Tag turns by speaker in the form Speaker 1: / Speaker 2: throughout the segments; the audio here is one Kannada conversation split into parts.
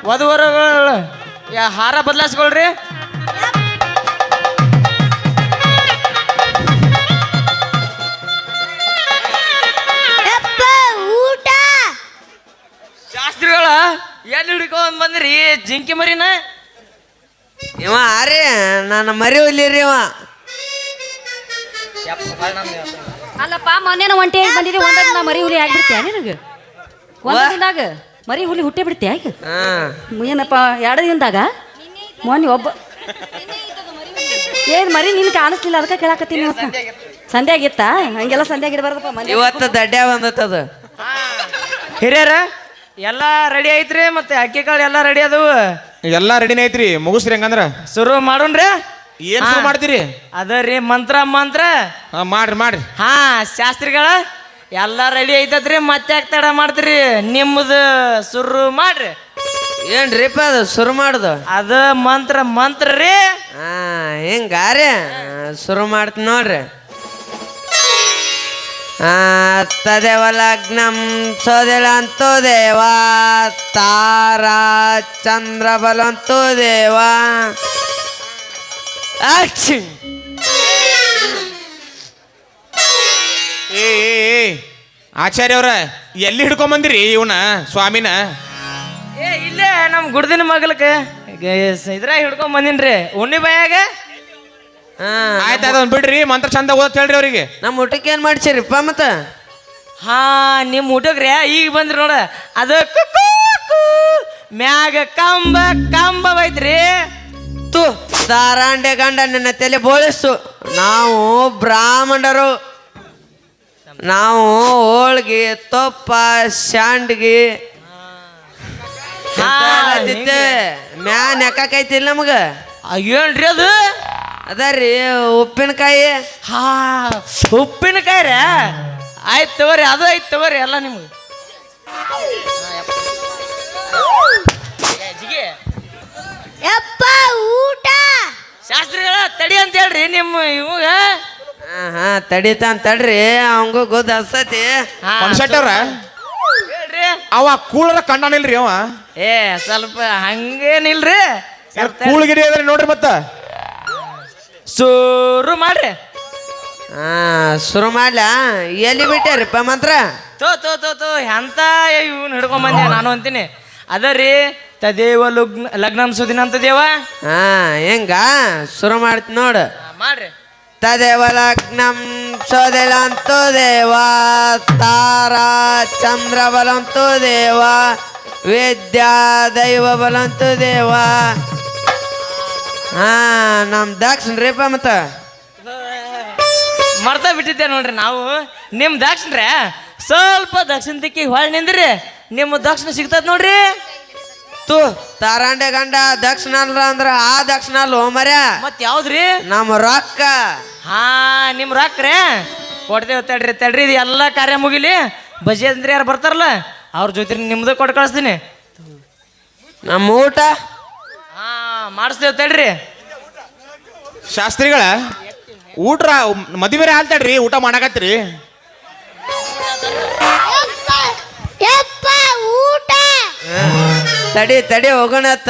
Speaker 1: ವಧುವರಗಳು ಹಾರ ಬದಲಾಯಿಸ್ಕೊಳ್ರಿ. ಶಾಸ್ತ್ರಿಗಳ ಎಲ್ಲಿ ಹಿಡ್ಕೊಂಡ್ ಬಂದ್ರಿ ಜಿಂಕಿ ಮರಿನ?
Speaker 2: ಇವ ಆರಿ ನನ್ನ ಮರಿ ಹೊಲಿರಿ ಇವ.
Speaker 3: ಅಲ್ಲಪ್ಪ ಮೊನ್ನೆ ಒಂಟಿ ಬಂದಿದ್ದೆ ಒಂದ ನಾ ಮರಿ ಹುಲಿ ಆಗ್ಬಿಡ್ತೀಯ ನಿನಗೆ? ಒಂದ ದಿನದಾಗ ಮರಿ ಹುಲಿ ಹುಟ್ಟೆ ಬಿಡ್ತೀಯ ಈಗ? ಏನಪ್ಪ 2 ದಿನದಾಗ? ಮೊನ್ನೆ ಒಬ್ಬ ಏನ್ ಮರಿ ನಿನ್ ಕಾಣಿಸ್ಲಿಲ್ಲ ಅದಕ್ಕೆ ಕೇಳಾಕತ್ತೀನಿ. ಸಂಧ್ಯಾ ಆಗಿತ್ತಾ? ಹಂಗೆಲ್ಲ ಸಂಧ್ಯಾ ಆಗಿಡಬಾರ್ದಪ್ಪ.
Speaker 2: ಇವತ್ತು ದಡ್ಡ್ಯಾ ಬಂದತ್ತದ.
Speaker 1: ಹಿರಿಯರ ಎಲ್ಲ ರೆಡಿ ಐತ್ರಿ, ಮತ್ತೆ ಅಕ್ಕಿ ಕಾಳು ಎಲ್ಲ ರೆಡಿ ಅದವು?
Speaker 4: ಎಲ್ಲಾ ರೆಡಿನೇ ಐತ್ರಿ. ಮುಗಿಸ್ರಿ ಹಂಗಂದ್ರ
Speaker 1: ಶುರು ಮಾಡೋಣ್ರಿ.
Speaker 4: ಏನ್ ಶುರು ಮಾಡ್ತೀರಿ?
Speaker 1: ಅದರಿ ಮಂತ್ರ ಮಂತ್ರ
Speaker 4: ಮಾಡ್ರಿ ಮಾಡ್ರಿ.
Speaker 1: ಹಾ ಶಾಸ್ತ್ರಿಗಳ ಎಲ್ಲ ರೆಡಿ ಐತತ್ರಿ, ಮತ್ತೆ ಯಾಕೆ ತಡ ಮಾಡ್ತೀರಿ? ನಿಮ್ಮದು ಶುರು ಮಾಡ್ರಿ.
Speaker 2: ಏನ್ರಿಪ್ಪ ಅದು ಶುರು ಮಾಡುದು?
Speaker 1: ಅದ ಮಂತ್ರ ಮಂತ್ರ ರೀ.
Speaker 2: ಹಿಂಗಾರಿ ಶುರು ಮಾಡ್ತೀನಿ ನೋಡ್ರಿ. ತದೇವ ಲಗ್ನಂ ಸೋದೆಲಂತು ದೇವ ತಾರಾ ಚಂದ್ರ ಬಲಂತು ದೇವ.
Speaker 4: ಏ ಆಚಾರ್ಯ ಅವ್ರ ಎಲ್ಲಿ ಹಿಡ್ಕೊಂಡ್ ಬಂದಿರಿ ಇವನ ಸ್ವಾಮಿನ?
Speaker 1: ಇಲ್ಲೇ ನಮ್ ಗುಡ್ದಿನ ಮಗಲ್ಕ ಇದ್ರಾಗ ಹಿಡ್ಕೊಂಡ್ ಬಂದಿನ್ರಿ ಉಣ್ಣಿ ಬಾಯಾಗ.
Speaker 4: ಆಯ್ತು ಅದೊಂದು ಬಿಡ್ರಿ, ಮಂತ್ರ ಚಂದ ಓದತ್ ಹೇಳ್ರಿ ಅವ್ರಿಗೆ.
Speaker 2: ನಮ್ಮ ಊಟಕ್ಕೆ ಏನ್ ಮಾಡ್ಸಿರಿಪ್ಪ ಮತ್ತ?
Speaker 1: ಹಾ ನಿಮ್ ಊಟಕ್ರಿ ಈಗ ಬಂದ್ರಿ ನೋಡ. ಅದು ಮ್ಯಾಗ ಕಂಬ ಕಂಬ ಐತ್ರಿ.
Speaker 2: ತು ದಾರಾಂಡೆ ಗಂಡ ನನ್ನ ತಲೆ ಬೋಳಿಸು. ನಾವು ಬ್ರಾಹ್ಮಣರು, ನಾವು ಹೋಳ್ಗಿ ತೊಪ್ಪ ಶಾಂಡ್ಗಿ ಮ್ಯಾನ್ ಯಾಕೈತಿಲ್ಲ ನಮಗ.
Speaker 1: ಏನ್ರಿ ಅದು?
Speaker 2: ಅದರಿ ಉಪ್ಪಿನಕಾಯಿ.
Speaker 1: ಹಾ ಉಪ್ಪಿನಕಾಯಿ ರೀ. ಆಯ್ತು ತಗೋರಿ, ಅದು ಐತ್ ತಗೋರಿ ಎಲ್ಲ ನಿಮ್ಗೆ.
Speaker 3: ಊಟ
Speaker 1: ಶಾಸ್ತ್ರಿಗಳ ತಡಿ ಅಂತ ಹೇಳ್ರಿ ನಿಮ್ಮ ಇವಾಗ.
Speaker 4: ತಡಿತಾನ
Speaker 2: ತಡ್ರಿ, ಅವಂಗೂ ಗೊತ್ತ ಹಸ್ತತಿ.
Speaker 4: ಅವ್ರ
Speaker 1: ಹೇಳ್ರಿ.
Speaker 4: ಅವ ಕೂಳರ ಕಂಡಾನಿಲ್ರಿ ಅವ.
Speaker 1: ಸ್ವಲ್ಪ ಹಂಗೇನಿಲ್ರಿ,
Speaker 4: ಕೂಳ್ಗಿರಿ ಅದ್ರಿ ನೋಡ್ರಿ. ಮತ್ತ
Speaker 1: ಶುರು ಮಾಡ್ರಿ.
Speaker 2: ಶುರು ಮಾಡ್ಲಾ? ಎಲ್ಲಿ ಬಿಟ್ಟಾರಿಪ್ಪ ಮಂತ್ರ?
Speaker 1: ತೋ ಎಂತ ಇವ್ನ ಹಿಡ್ಕೊಂಡ್ ಬಂದೆ ನಾನು ಅಂತೀನಿ. ಅದರಿ ತದೇವ ಲಗ್ನಂ ಸುದಿನ ಅಂತ ದೇವ.
Speaker 2: ಹೆಂಗ ಶುರು ಮಾಡ್ತೀನಿ ನೋಡು.
Speaker 1: ಮಾಡ್ರಿ.
Speaker 2: ತದೇವ ಲಗ್ನಂ ಸೋದೆಲಂತು ದೇವ ತಾರಾ ಚಂದ್ರ ಬಲಂತು ದೇವ ವಿದ್ಯಾ ದೈವ ಬಲಂತು ದೇವ. ನಮ್ ದಕ್ಷಿಣ್ರಿಪ್ಪ ಮತ್ತ
Speaker 1: ಮರ್ತ ಬಿಟ್ಟಿದ್ದೆ ನೋಡ್ರಿ ನಾವು. ನಿಮ್ ದಕ್ಷಿಣ್ರೆ ಸ್ವಲ್ಪ ದಕ್ಷಿಣ ದಿಕ್ಕಿಗೆ ಹೊಳ್ ನಿಂದ್ರಿ, ನಿಮ್ಮ ದಕ್ಷಿಣ ಸಿಗ್ತದ ನೋಡ್ರಿ.
Speaker 2: ತು ತಾರಾಂಡೆ ಗಂಡ ದಕ್ಷಿಣ ಅಲ್ರ ಅಂದ್ರ ಆ ದಕ್ಷಿಣ ಅಲ್ಲ ಮರ್ಯ.
Speaker 1: ಮತ್ ಯಾವ್ದ್ರಿ?
Speaker 2: ನಮ್ಮ ರೊಕ್ಕ.
Speaker 1: ಹಾ ನಿಮ್ ರೊಕ್ಕರೇ ಕೊಡ್ತೇವೆ. ತಡ್ರಿ ಇದು ಎಲ್ಲ ಕಾರ್ಯ ಮುಗಿಲಿ. ಬಜೆ ಅಂದ್ರೆ ಯಾರು ಬರ್ತಾರಲ್ಲ ಅವ್ರ ಜೊತೆ ನಿಮ್ದು ಕೊಟ್ಟು ಕಳಿಸ್ತೀನಿ.
Speaker 2: ನಮ್ಮ ಊಟ
Speaker 1: ಮಾಡಿಸ್ತೇವೆ ತಡ್ರಿ.
Speaker 4: ಶಾಸ್ತ್ರಿಗಳ ಊಟ ಮದುವೆ ಹಾಲ್ತಾಡ್ರಿ, ಊಟ ಮಾಡಕತ್ರಿ.
Speaker 2: ತಡಿ ಹೋಗೋಣತ್ತ.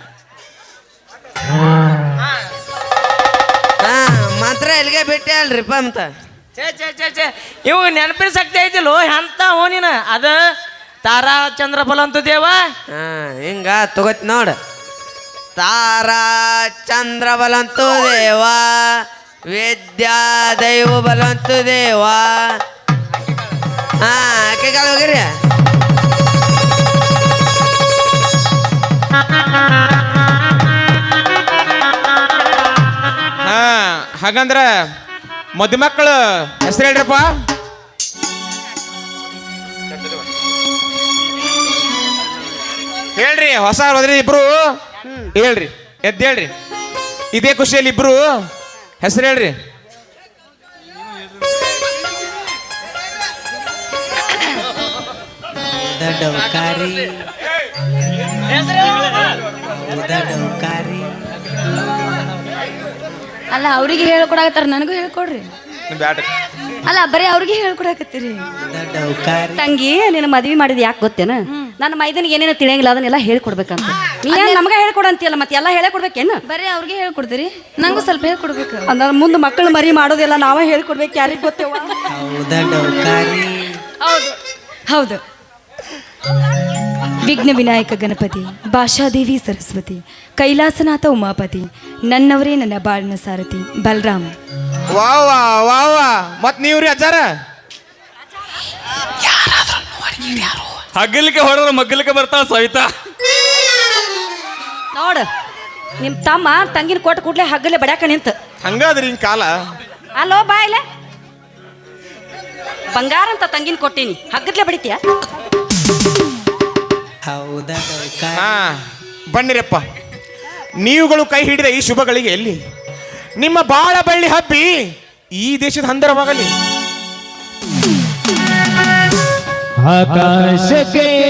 Speaker 2: ಮಾತ್ರ ಎಲ್ಲಿಗೆ ಬಿಟ್ಟೆ ಅಲ್ರಿಪ್ಪ ಮತ್ತ.
Speaker 1: ಛೇ ಇವು ನೆನಪಿನ ಶಕ್ತಿ ಐತಿಲ್ಲೋ ಎಂತ ಓನಿನ. ಅದ ತಾರಾ ಚಂದ್ರ ಬಲ ಅಂತ ದೇವ.
Speaker 2: ಹಿಂಗ ತಗೋತ್ ನೋಡ. ತಾರಾ ಚಂದ್ರ ಬಲಂತು ದೇವ ವಿದ್ಯಾ ದೈವ ಬಲಂತು ದೇವ. ಅಕ್ಕಿಕಾಳು ಹೋಗಿರಿ.
Speaker 4: ಹಾಗಂದ್ರ ಮದುಮಕ್ಕಳು ಹೆಸರು ಹೇಳ್ರಪ್ಪ. ಹೇಳ್ರಿ, ಹೊಸ ಹೋದ್ರಿ ಇಬ್ರು. ಹೇಳ್ರಿ, ಹೇಳ್ರಿ. ಇದೇ ಖುಷಿಯಲ್ಲಿ ಇಬ್ರು ಹೆಸರು ಹೇಳ್ರಿ.
Speaker 3: ಅಲ್ಲ ಅವ್ರಿಗೆ ಹೇಳ್ಕೊಡಕತ್ತಾರ, ನನಗೂ ಹೇಳ್ಕೊಡ್ರಿ. ಅಲ್ಲ ಬರೀ ಅವ್ರಿಗೆ ಹೇಳ್ಕೊಡಕತ್ತೀರಿ. ತಂಗಿ ನಿನ್ನ ಮದ್ವಿ ಮಾಡಿದ್ ಯಾಕೆ ಗೊತ್ತೇನ? ನನ್ನ ಮೈದನಿಗೆ ಏನೇನು ತಿಳಿಯಂಗಿಲ್ಲ ಅದನ್ನೆಲ್ಲ ಹೇಳ್ಕೊಡ್ಬೇಕಂತ ನೀ ನಮಗೆ ಹೇಳ್ಕೊಡಂತಿಯಲ್ಲ ಮತ್ತೆ ಎಲ್ಲ ಹೇಳ್ಕೊಡ್ಬೇಕೇನು
Speaker 5: ಬರೀ ಅವ್ರಿಗೆ ಹೇಳ್ಕೊಡ್ತೀರಿ ನಂಗೂ ಸ್ವಲ್ಪ ಹೇಳ್ಕೊಡ್ಬೇಕು
Speaker 3: ಅಂದ್ರೆ ಮುಂದೆ ಮಕ್ಕಳು ಮರಿ ಮಾಡೋದೆಲ್ಲ ನಾವೇ ಹೇಳ್ಕೊಡ್ಬೇಕು ಯಾರಿಗೆ ಗೊತ್ತೇವ ಹೌದು ಹೌದು ವಿಘ್ನ ವಿನಾಯಕ ಗಣಪತಿ ಭಾಷಾದೇವಿ ಸರಸ್ವತಿ ಕೈಲಾಸನಾಥ ಉಮಾಪತಿ ನನ್ನವರೇ ನನ್ನ ಬಾಳಿನ ಸಾರಥಿ ಬಲರಾಮ.
Speaker 4: ವಾ ಮತ್ ನೀವ್ರಿ ಅಜ್ಜಾರ
Speaker 6: ಹಗ್ಗಲಿಕ್ಕೆ ಹೊಡೆದ್ರೆ ಮಗ್ಗಲಿಕ್ಕೆ ಬರ್ತಾಳ ಸವಿತಾ.
Speaker 3: ನೋಡು ನಿಮ್ಮ ತಮ್ಮ ತಂಗಿನ ಕೊಟ್ಟು ಕೂಡ್ಲೆ ಹಗ್ಗಲೆ ಬಡ್ಯಾಕ ನಿಂತ
Speaker 4: ಹಂಗಾದ್ರಿ ಹಿಂಗ್ ಕಾಲ
Speaker 3: ಅಲ್ಲೋ ಬಾ ಇಲ್ಲ ಬಂಗಾರ ಅಂತ ತಂಗಿನ ಕೊಟ್ಟೀನಿ ಹಗ್ಗದ್ಲೆ ಬಡಿತೀಯ
Speaker 4: ಹಾ ಬನ್ನಿರಪ್ಪ, ನೀವುಗಳು ಕೈ ಹಿಡಿದ ಈ ಶುಭಗಳಿಗೆ ಎಲ್ಲಿ ನಿಮ್ಮ ಬಾಳ ಬಳ್ಳಿ ಹಬ್ಬಿ ಈ ದೇಶದ ಹಂದರವಾಗಲಿ.
Speaker 7: ಆಕಾಶಕ್ಕೆ